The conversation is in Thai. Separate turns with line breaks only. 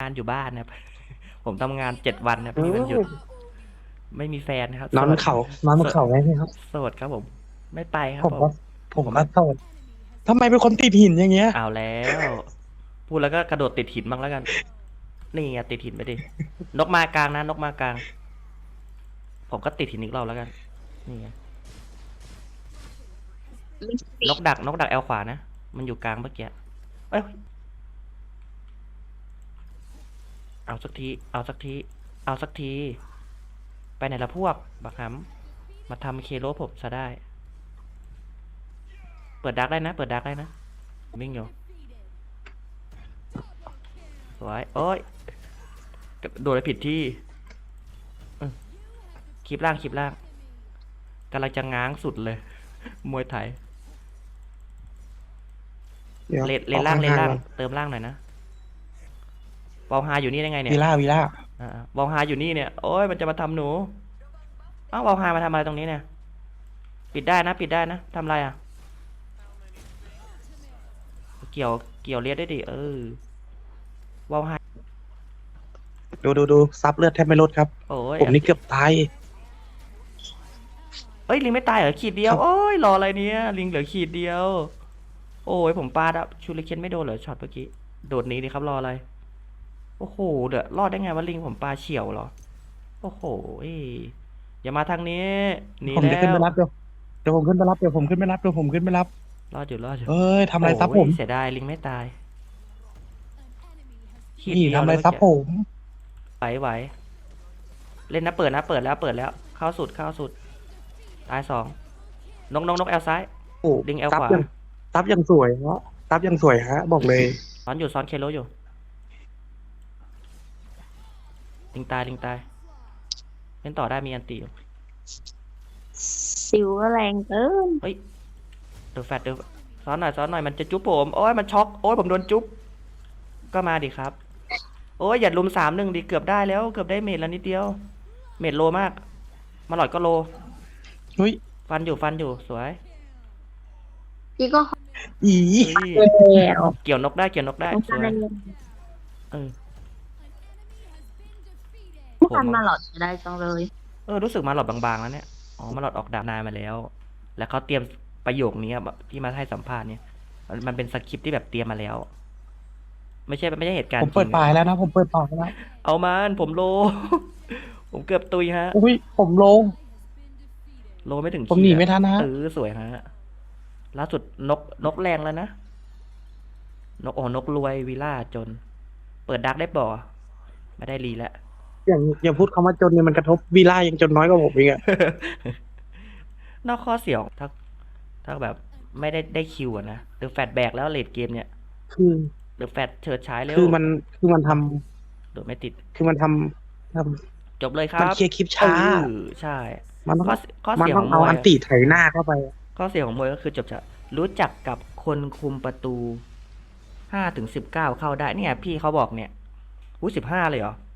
านอยู่บ้านนะครับผมทำงาน7 วันนะ
อื
พี่วันหยุด
ม
ไม่มีแฟนนะครับ
นอนเขานอนบ
โสด
นเขาไงพี่ครับ
โสดครับผมไม่ไปครับผม
ผมก็ผม
ผมไม่
ก็โสดทำไมเป็นคนติดหินอย่างเงี้ย
เอาแล้วพูดแล้วก็กระโดดติดหินบ้างแล้วกันนี่ไงติดหินไปดินกมากลางนะนกมากลางผมก็ติดหินอีกรอบแล้วกันนี่ไงนกดักแอลขวานะมันอยู่กลางเมื่อกี้เอ้ยเอาสักทีเอาสักทีเอาสักทีไปไหนละพวกบักหำมาทำเคโลผมซะได้เปิดดักได้นะเปิดดักได้นะวิ่งอยู่สวยโอ้ยโดดไปผิดที่คลิปล่างคลิปล่างกำลังจะง้างสุดเลยมวยไทย
เดี๋ยว
เล
ออก
นล่างเลนล่าง
ห่างๆก่อน
เติมล่างหน่อยนะวอลฮาอยู่นี่ได้ไงเนี่ย
วีล่า
วอลฮาอยู่นี่เนี่ยโอ้ยมันจะมาทำหนูอ้าววอลฮามาทำอะไรตรงนี้เนี่ยปิดได้นะปิดได้นะทำอะไรอ่ะเกี่ยวเลียดได้ดิวอลฮา
ดูซับเลือดแทบไม่ลดครับ
โอ้ย
ผมนี่เกือบตาย
เอ้ยลิงไม่ตายเหรอขีดเดี
ครับ
ยวโอ้ยรออะไรเนี่ยลิงเหลือขีดเดียวโอ้ยผมปาดอะชูริเคนไม่โดนเหรอช็อตเมื่อกี้โดดหนีดิครับรออะไรโอ้โหเดี๋ยวรอดได้ไงวะลิงผมปาเฉียวเหรอโอ้โหอย่ามาทางนี้หนี
ผมจะ
แล้ว
ขึ้นไปรับเดี๋ยวผมขึ้นไปรับเดี๋ยวผมขึ้นไปรับเดี๋ยวผมขึ้นไปรับ
รอดอยู่
เอ้ยทำอะไร
โอ้
ซับผม
ยเสียดายลิงไม่ตายขีด
นี่
เดียว
ทำอะไร
เลยเมื่อกี้
ซับผม
ไหวเล่นนะเปิดนะเปิดแล้วเข้าสุดตาย2นกแอลซ้าย
โอ้
ลิงแอลขวา
ซับยังสวยเนาะซับยังสวยฮะบอกเลย
ซ้อนเคโลอยู่ลิงตายเล่นต่อได้มีอันตีอยู่
สิวแรงเกิน
เฮ้ยเดี๋ยวซ้อนหน่อยมันจะจุ๊บผมโอ้ยมันช็อกโอ้ยผมโดนจุ๊บก็มาดิครับโอ้ยอย่าลุม3-1ดิเกือบได้แล้วเกือบได้เมดแล้วนิดเดียวเมดโลมากมาหลอดก็โล
เฮ้ย
ฟันอยู่สวย
พี่ก็
อี
เฮ้ย
แล้ว
เกี่ยวนกได้
ต้อง
ส
การ
วย
อะไรเรียน
เออ
ผู้
ผม
กันมาหลอดจะได้จังเลย
รู้สึกมาหลอดบางๆแล้วเนี่ยอ๋อมาหลอดออกดาบนายมาแล้วแล้วเขาเตรียมประโยคนี้แบบที่มาให้สัมภาษณ์เนี่ยมันเป็นสคริปต์ที่แบบเตรียมมาแล้วไม่ใช่เหตุการ
ผม
ณ์จริง
เปิดปลายแล้วนะผมเปิดปลายแล้ว
เอามันผมโลผมเกือบตุยฮะ
อุ้ยผมลง
โลไม่ถึง
ผมหนี
ขีดอะ
ไม่ทันนะฮะ
สวยฮะล่าสุดนกแรงแล้วนะนกรวยวิลล่าจน เปิดดักได้บ่ไม่ได้รีแล้ว
อย่างพูดคำว่าจนเนี่ยมันกระทบวีล่ายังจนน้อยกว่าผมอีกอะ
นอกข้อเสียของถ้าแบบไม่ได้คิวอะนะหรือแฟดแบกแล้วเลดเกมเนี่ย
คือ
หรือแฟดเฉิดฉายเร็ว
คือมันท
โดดไม่ติด
ำคือมันทำ
จบเลยค
มัน
รับ
เคลียร์คลิปช้า
ใช่
มันต้อง
ข้อข้อ
มัน
เสีย
ต้องเอา
ของมวย
อันติไถหน้าเข้าไป
ข้อเสียของมวยก็คือจบจะรู้จักกับคนคุมประตู5 ถึง 19เข้าได้เนี่ยพี่เขาบอกเนี่ย15เลยเหรอ